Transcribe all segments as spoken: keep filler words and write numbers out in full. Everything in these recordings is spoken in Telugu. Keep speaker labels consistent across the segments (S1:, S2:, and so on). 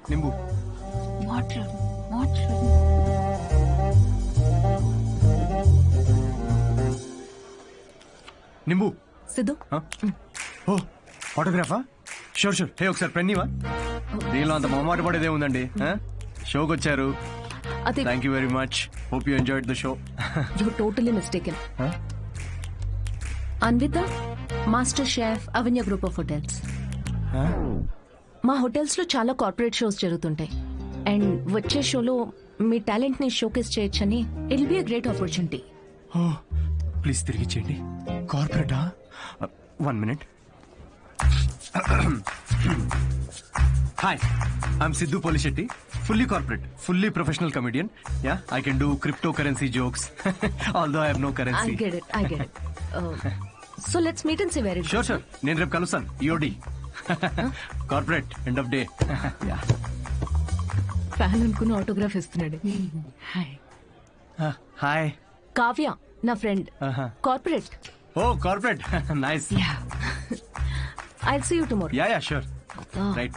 S1: నింబు
S2: వాటర్ వాటర్
S1: నింబు
S2: సిద్ధు
S1: ఓ ఆటోగ్రాఫా షూర్ షూర్ హే ఒకసారి పెన్నీవా దీనిలో అంత మొహమాట పడేదే ఉందండి షోకి వచ్చారు
S2: అదే
S1: thank you very much hope you enjoyed the show
S2: you totally mistaken Anvitha master chef Avanya group of hotels మా హోటల్స్ లో చాలా కార్పొరేట్ షోస్ జరుగుతుంటాయి అండ్ వచ్చే షోలో మీ టాలెంట్ ని షోకేస్ చేయొచ్చని it be a great opportunity.
S1: Oh please తిరిగి చేయండి. కార్పొరేటా? One minute. Hi, I'm Siddhu Polishetty. Fully corporate, fully professional comedian. Yeah, I can do cryptocurrency jokes. Although I have no currency.
S2: I get it, I get it. Uh, so let's meet and see where it goes.
S1: Sure, sure. నేను రేపు కలుస్తాను. E O D. Corporate, end of day. Yeah.
S2: Fan అనుకుని ఆటోగ్రాఫ్ ఇస్తున్నాడు. హాయ్.
S1: హాయ్.
S2: కావ్య నా friend. Corporate.
S1: Oh corporate, nice.
S2: Yeah. I'll see you tomorrow.
S1: Yeah, yeah, sure. Right.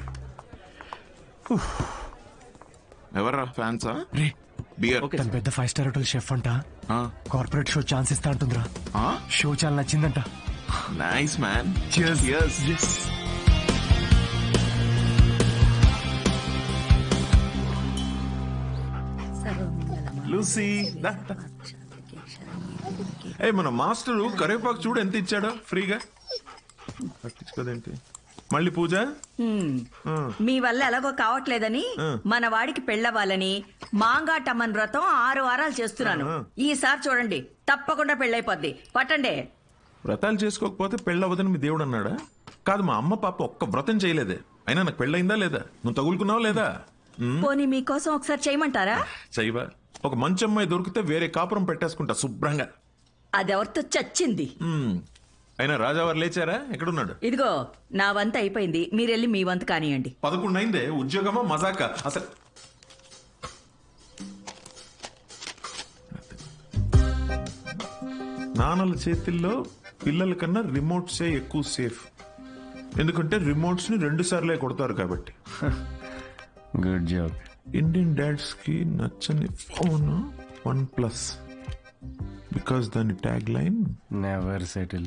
S3: ఎవర్రా ఫ్యాన్సా?
S1: రే
S3: బియర్.
S1: తన పెద్ద ఫైవ్ స్టార్ హోటల్ షెఫ్ అంట. కార్పొరేట్ షో ఛాన్స్ ఇస్తా అంటుందిరా. షో చాలా నచ్చిందంట.
S3: Nice man.
S1: Cheers.
S3: Cheers.
S1: Yes.
S3: Lucy ఏ మన మాస్టరు కరివేపాకు చూడు ఎంత ఇచ్చాడో ఫ్రీగా. పట్టించుకోదేంటి మళ్ళీ పూజ?
S4: మీ వల్ల ఎలాగో కావట్లేదని మన వాడికి పెళ్ళవ్వాలని మాంగాటమ్మన్ వ్రతం ఆరు వారాలు చేస్తున్నాను. ఈసారి చూడండి తప్పకుండా పెళ్ళైపోద్ది. పట్టండి.
S3: వ్రతాలు చేసుకోకపోతే పెళ్ళవదని మీ దేవుడు అన్నాడా? కాదు, మా అమ్మ పాప ఒక్క వ్రతం చేయలేదే. అయినా నాకు పెళ్ళయిందా లేదా? నువ్వు తగులుకున్నావా లేదా?
S4: పోనీ మీకోసం ఒకసారి చేయమంటారా?
S3: చెయ్యవా? ఒక మంచి అమ్మాయి దొరికితే వేరే కాపురం పెట్టేసుకుంటా శుభ్రంగా.
S4: అదెవరితో చచ్చింది.
S3: అయినా రాజావారు లేచారా? ఎక్కడున్నాడు?
S4: ఇదిగో నా వంత అయిపోయింది, మీరెళ్ళి మీ వంత కానియండి.
S3: పదకొండు అయిందే. ఉద్యోగమా మజాక అసలు? నాన్నల చేతిల్లో పిల్లల కన్నా రిమోట్సే ఎక్కువ సేఫ్. ఎందుకంటే రిమోట్స్ ని రెండు సార్లే కొడతారు కాబట్టి.
S1: Good job.
S3: ఇండియన్ డాడ్స్ కి నచ్చని ఫోన్ వన్ ప్లస్, బికాస్ దాని ట్యాగ్ లైన్
S1: నెవర్ సెటిల్.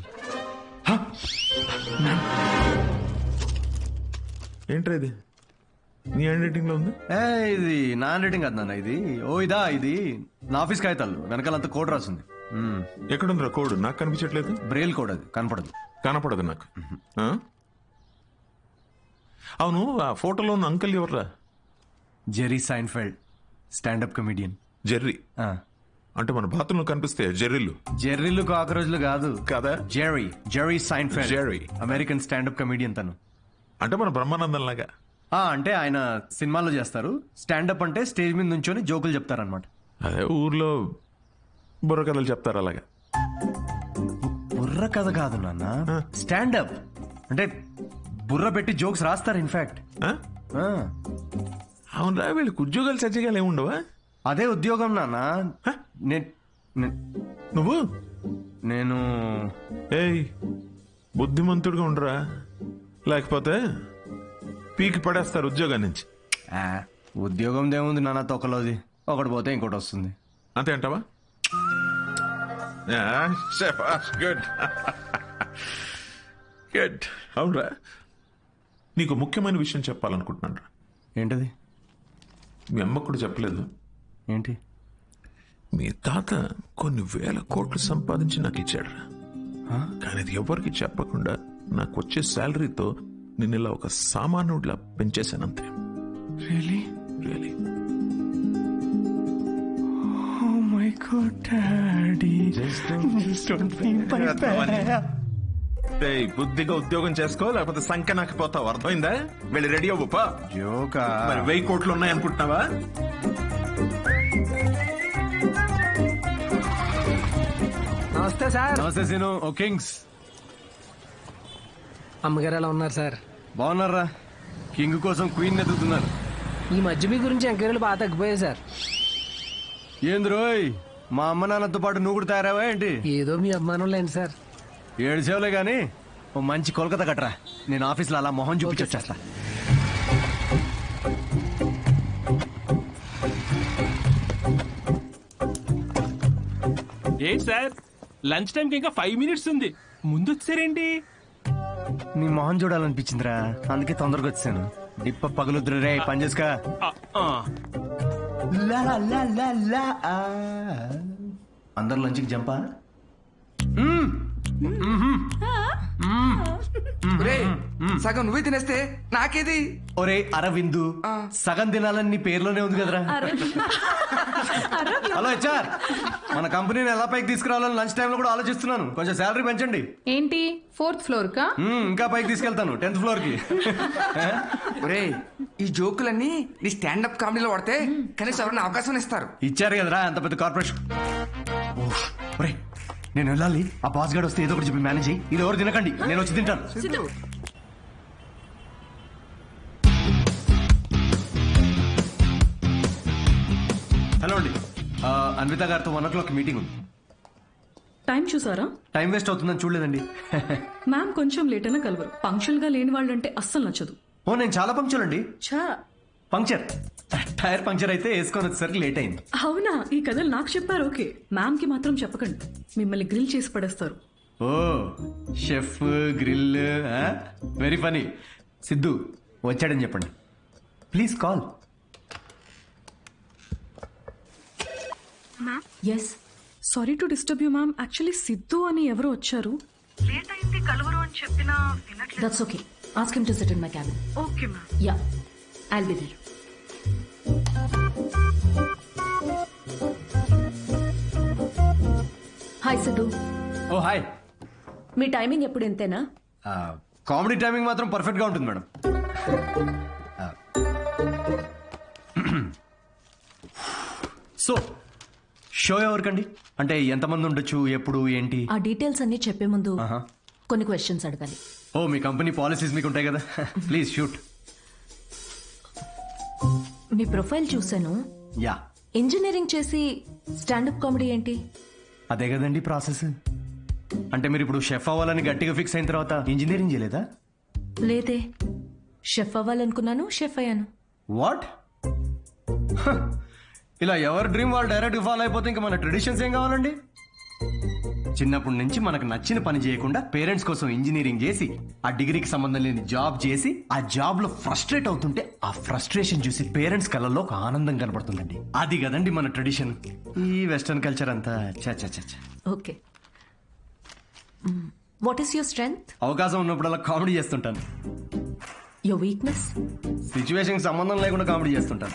S3: ఏంట్రా ఇది? నీ హ్యాండ్ రైటింగ్ లో ఉంది.
S1: ఏ ఇది నా హ్యాండ్ రైటింగ్ కాదు నాన్న, ఇది ఓ ఇదా ఇది నా ఆఫీస్ కాగితాలు వెనకాలంతా కోడ్ రాసింది.
S3: ఎక్కడుందిరా కోడ్? నాకు కనిపించట్లేదు.
S1: బ్రెయిల్ కోడ్, అది కనపడదు.
S3: కనపడదు నాకు. ఆ? అవును, ఆ ఫోటోలో ఉన్న అంకల్ ఎవర్రా?
S1: Jerry Seinfeld, standup comedian.
S3: Jerry అంటే మన బాత్రూంలో కనిపిస్తే జెర్రీలు.
S1: జెర్రీలు కాకరోజులు కాదు
S3: కదా.
S1: Jerry Jerry Seinfeld,
S3: Jerry
S1: American standup comedian తను.
S3: అంటే మన బ్రహ్మానందం లాగా.
S1: ఆ అంటే ఆయన సినిమాలో చేస్తారు. స్టాండప్ అంటే స్టేజ్ మీద నుంచొని జోకులు చెప్తారనమాట.
S3: అదే ఊర్లో బుర్ర కథలు చెప్తారు అలాగా.
S1: బుర్ర కథ కాదు నాన్న, స్టాండప్ అంటే బుర్ర పెట్టి జోక్స్ రాస్తారు. ఇన్ఫాక్ట్
S3: అవునరా, వీళ్ళకి ఉద్యోగాలు సజ్జగాలు ఏముండవా?
S1: అదే ఉద్యోగం నాన్న.
S3: నువ్వు
S1: నేను
S3: ఏయ్ బుద్ధిమంతుడిగా ఉండరా, లేకపోతే పీకి పడేస్తారు ఉద్యోగం నుంచి.
S1: ఉద్యోగం దేముంది నాన్న, తొక్కలోది. ఒకటి పోతే ఇంకోటి వస్తుంది.
S3: అంతే అంటావా? Good good. అవునరా, నీకు ముఖ్యమైన విషయం చెప్పాలనుకుంటున్నాను రా.
S1: ఏంటది?
S3: మీ అమ్మకు కూడా చెప్పలేదు.
S1: ఏంటి?
S3: మీ తాత కొన్ని వేల కోట్లు సంపాదించి నాకు ఇచ్చాడు రా. కానీ అది ఎవరికి చెప్పకుండా నాకు వచ్చే శాలరీతో నేను ఇలా ఒక సామాన్యుడిలా పెంచేశానంతే.
S1: Really
S3: really.
S1: Oh my God, Daddy. Just don't, just don't feel my bad.
S3: ఏయ్, బుద్ధిగా ఉద్యోగం చేసుకో, లేకపోతే సంఖ్య నాకు పోతావు. అర్థమైందా? వెళ్ళి రెడీ అవ్వపా.
S1: జోకా?
S3: మరి వెయ్యి కోట్లు ఉన్నాయనుకుంటున్నావా?
S5: నమస్తే సార్.
S1: నమస్తే సీను. ఓ కింగ్స్.
S5: అమ్మగారు ఎలా ఉన్నారు సార్?
S1: బాగున్నారా? కింగ్ కోసం క్వీన్ ఎదుగుతున్నారు.
S5: ఈ మధ్య మీ గురించి ఎంక్వైరీలు బాగా తగ్గిపోయాయి సార్.
S1: ఏంది రోయ్, మా అమ్మ నాన్నతో పాటు నువ్వు కూడా తయారావా ఏంటి?
S5: ఏదో మీ అభిమానం లేండి సార్.
S1: ఏడు సేవలే గానీ ఓ మంచి కోల్కతా కట్టరా. నేను ఆఫీస్లో అలా మొహం చూపించి వచ్చేస్తా.
S6: ఏంటి సార్ లంచ్ టైంకి ఇంకా ఫైవ్ మినిట్స్ ఉంది ముందు వచ్చారేంటి?
S1: నీ మొహం చూడాలనిపించిందిరా, అందుకే తొందరగా వచ్చాను. డిప్ప పగులుద్దురు రే, పని చేసుకా.
S6: ఆ, ఆ.
S1: లా లా లా లా ఆ. అందరు లంచ్కి జంపా?
S7: ఒరేయ్, సగం నువ్వే తినేస్తే నాకేది?
S1: ఒరే అరవిందు, సగం తినాలని నీ పేర్లోనే ఉంది కదరా. హలో హెచ్ఆర్, మన కంపెనీని ఎలా పైకి తీసుకురావాలని లంచ్ టైంలో కూడా ఆలోచిస్తున్నాను. కొంచెం శాలరీ పెంచండి.
S8: ఏంటి ఫోర్త్ ఫ్లోర్ కా?
S1: మ్మ్, ఇంకా పైకి తీసుకెళ్తాను, టెన్త్ ఫ్లోర్ కి.
S7: ఒరేయ్, ఈ జోకులన్నీ నీ స్టాండప్ కామెడీలో వాడితే కనీసం ఎవరైనా అవకాశం ఇస్తారు.
S1: ఇచ్చారు కదరా అంత పెద్ద కార్పొరేషన్. ఓహ్, ఒరే నేను వెళ్ళాలి. ఆ బాస్ గార్డ్ వస్తే ఏదో ఒకటి చెప్పి మేనేజ్ అయ్యి. ఇది ఎవరు తినకండి, నేను వచ్చి తింటాను. హలో అండి, ఆ, అన్విత గారితో వన్ ఓ క్లాక్ మీటింగ్ ఉంది.
S9: టైం చూసారా?
S1: టైం వేస్ట్ అవుతుందని చూడలేదండి.
S9: మ్యామ్ కొంచెం లేట్ అయినా కలవరు. పంక్చువల్ గా లేని వాళ్ళంటే అస్సలు నచ్చదు.
S1: ఓ నేను చాలా పంక్చర్ అండి.
S9: ఛా,
S1: పంక్చర్ టైర్ పంక్చర్ అయితే వేసుకొని వచ్చేసరికి లేట్ అయింది.
S9: అవునా? ఈ కథలు నాకు చెప్పారు. ఓకే, మ్యామ్ కి మాత్రం చెప్పకండి, మిమ్మల్ని గ్రిల్ చేసి పడేస్తారు.
S1: Oh chef grill, very funny. Siddhu వచ్చాడని చెప్పండి please. Call.
S2: Yes,
S9: sorry to disturb you ma'am. Actually Siddhu అని ఎవరు వచ్చారు. లేట్ అయింది కలవరు అని చెప్పినా వినట్లేదు.
S2: That's okay. Ask him to sit in my cabin.
S9: Okay ma'am.
S2: Yeah, I'll be there. Hi Siddhu.
S1: Oh hi.
S2: మీ టైమింగ్ ఎప్పుడు ఇంతేనా?
S1: కామెడీ టైమింగ్ మాత్రం పర్ఫెక్ట్ గా ఉంటుంది మేడం. సో షో ఎవరికండి? అంటే ఎంతమంది ఉండొచ్చు, ఎప్పుడు, ఏంటి?
S2: ఆ డీటెయిల్స్ అన్ని చెప్పే ముందు
S1: ఆహా.
S2: కొన్ని క్వశ్చన్స్ అడగాలి.
S1: ఓ మీ కంపెనీ పాలసీస్ మీకు ఉంటాయి కదా, ప్లీజ్ షూట్.
S2: మీ ప్రొఫైల్ చూశాను.
S1: యా,
S2: ఇంజనీరింగ్ చేసి స్టాండప్ కామెడీ ఏంటి?
S1: అదే కదండి ప్రాసెస్. అంటే మీరు ఇప్పుడు షెఫ్ అవ్వాలని గట్టిగా ఫిక్స్ అయిన తర్వాత ఇంజనీరింగ్ చేయలేదా?
S2: లేదే, షెఫ్ అవ్వాలనుకున్నాను, షెఫ్ అయ్యాను.
S1: వాట్? ఇలా ఎవరి డ్రీమ్ వాళ్ళు డైరెక్ట్ ఫాలో అయిపోతే ఇంకా మన ట్రెడిషన్స్ ఏం కావాలండి? చిన్నప్పటి నుంచి మనకు నచ్చిన పని చేయకుండా పేరెంట్స్ కోసం ఇంజనీరింగ్ చేసి ఆ డిగ్రీకి సంబంధం లేని జాబ్ చేసి ఆ జాబ్ లో ఫ్రస్ట్రేట్ అవుతుంటే ఆ ఫ్రస్ట్రేషన్ చూసి పేరెంట్స్ కళ్ళల్లో ఒక ఆనందం కనబడుతుందండి. అది కదండి మన ట్రెడిషన్. ఈ వెస్టర్న్ కల్చర్ అంతా చా చా చా చా.
S2: Okay, what is your strength?
S1: అవకాశం ఉన్నప్పుడు అలా కామెడీ చేస్తుంటాను.
S2: Your weakness?
S1: సిచ్యువేషన్ సంబంధం లేకుండా కామెడీ చేస్తుంటాను.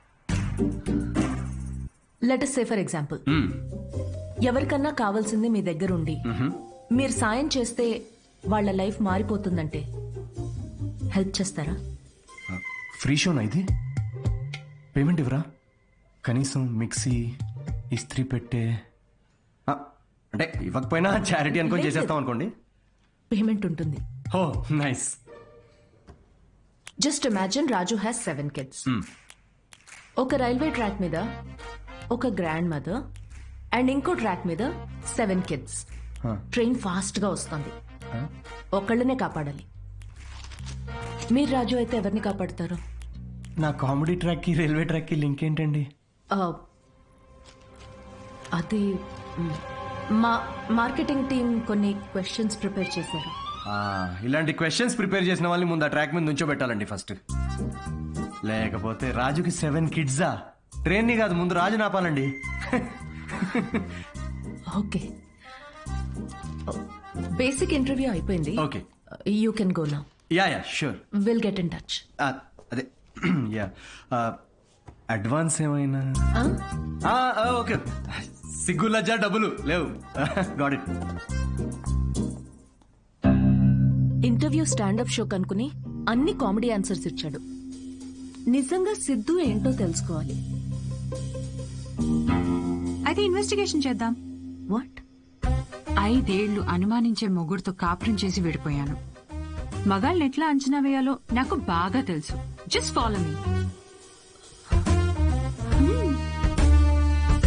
S2: Let us say for example, ఎవరికన్నా కావాల్సింది మీ దగ్గర ఉండి మీరు సాయం చేస్తే వాళ్ళ లైఫ్ మారిపోతుందంటే హెల్ప్ చేస్తారా?
S1: ఫ్రీ షోనా ఇది? పేమెంట్ ఇవ్వరా? కనీసం మిక్సీ, ఇస్త్రీ పెట్టే, ఆ, అంటే ఇవ్వకపోయినా చారిటీ అనుకొని చేసేస్తాం అనుకోండి.
S2: పేమెంట్ ఉంటుంది.
S1: Oh nice.
S2: Just imagine Raju has seven kids. ఒక రైల్వే ట్రాక్ మీద ఒక గ్రాండ్ మదర్ అండ్ ఇంకో ట్రాక్ మీద సెవెన్ కిడ్స్. ట్రైన్ ఫాస్ట్ గా వస్తుంది, ఒకళ్ళనే కాపాడాలి. మీరు రాజు అయితే ఎవరిని కాపాడతారు?
S1: నా కామెడీ ట్రాక్ కి రైల్వే ట్రాక్ కి లింక్ ఏంటండి?
S2: అది మ్, మా మార్కెటింగ్ టీం కొన్ని క్వశ్చన్స్ ప్రిపేర్ చేశారు.
S1: ఆ, ఇలాంటి క్వశ్చన్స్ ప్రిపేర్ చేసిన వాళ్ళని ముందు ఆ ట్రాక్ మీద నుంచోబెట్టాలండి ఫస్ట్. లేకపోతే రాజుకి సెవెన్ కిడ్సా? ట్రైన్ ని కాదు, ముందు రాజు నాపాలండి.
S2: ఓకే, బేసిక్ ఇంటర్వ్యూ అయిపోయింది.
S1: Okay,
S2: you can go now.
S1: Yeah yeah sure.
S2: Will get in touch.
S1: అదే యా, అడ్వాన్స్ ఏమైనా? ఆ, ఆ, ఓకే. సిగ్గు లజ్జా డబ్బులు లేవు. Got it.
S2: Interview standup show కనుకుని అన్ని కామెడీ ఆన్సర్స్ ఇచ్చాడు. నిజంగా సిద్ధు ఏంటో తెలుసుకోవాలి.
S8: అయితే ఇన్వెస్టిగేషన్ చేద్దాం.
S2: వాట్?
S8: ఐదేళ్లు అనుమానించే మొగుడుతో కాపురం చేసి విడిపోయాను. మగాళ్ళని ఎట్లా అంచనా వేయాలో నాకు బాగా తెలుసు. జస్ట్ ఫాలో మీ.